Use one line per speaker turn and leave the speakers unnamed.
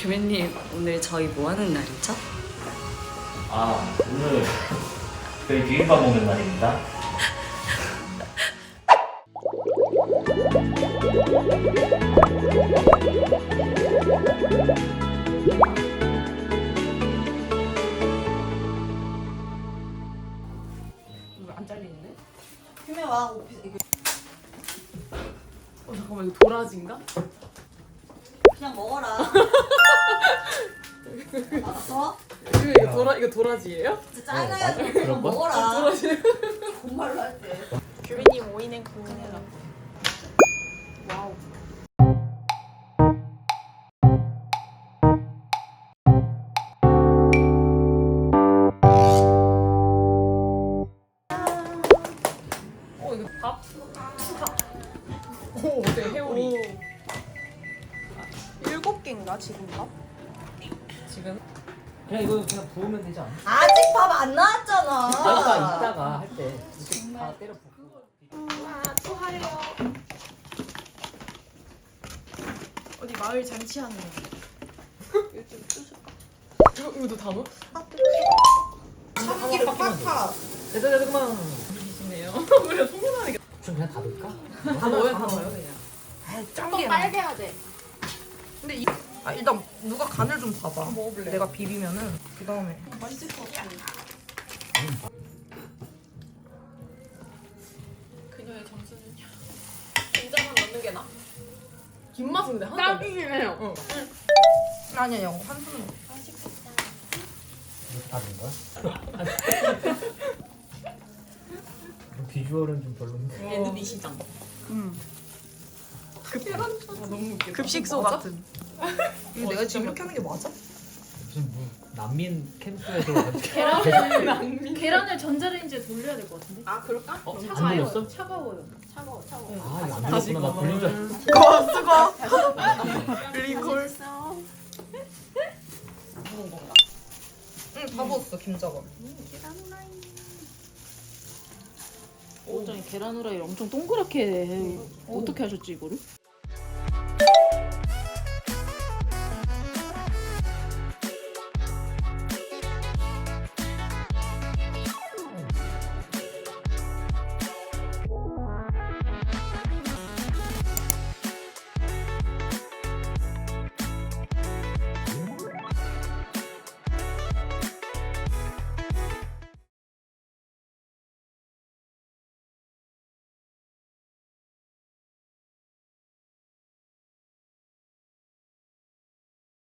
규민님 오늘 저희 뭐 하는 날이죠?
오늘 저희 비빔밥 먹는 날입니다.
이거 안 잘리는데?
규민 와 오피스 이거
잠깐만 이거 도라지인가?
그냥 먹어라. 알았어?
이거 도라지예요?
진짜 짜증나게
맞아?
그냥
그럴 걸?
먹어라.
도라지.
정말로 할 때.
규민님 오이냉국. 와우. 이거 밥? 오, 어때 회오리?
7개인가 지금 밥?
지금?
그냥 이거 그냥 부으면 되지 않아?
아직 밥 안 나왔잖아.
이따가 할 때 이렇게 다 때려 붓고.
또 하래요. 어디 마을 잔치하는 거.
이거도 다 넣어?
참기름 팍팍.
됐다 그만.
이시네요. 우리가 소문나게
좀 그냥 다 넣을까?
다 넣어요, 다 넣어요 그냥.
좀 빨개야 돼.
근데 일단 누가 간을 좀 봐봐.
먹어볼래?
내가 비비면은 그 다음에.
맛있을 것 같아. 그녀의 점수는요? 된장만 넣는 게 나?
김 맛은 근데 하나도
딱이긴 해요.
응. 아니야, 영 한 스푼.
맛있겠다.
이렇게 다 넣은 거야? 비주얼은 좀 별론데.
애누비 시장. 너무 웃겨.
급식소
맞아?
같은.
이거 내가 지금 이렇게 하는 게 맞아?
무슨 뭐 난민 캠프에서
계란을 전자레인지에 돌려야 될 것 같은데?
아 그럴까?
안 돌렸어?
차가워요.
차가워.
이거 안 돌렸구나. 나 돌린 줄 알았어.
리콜.
맛있어.
응, 다 부었어, 김자건.
어쩐지 계란 후라이를 엄청 동그랗게 해. 어떻게 하셨지 이거를?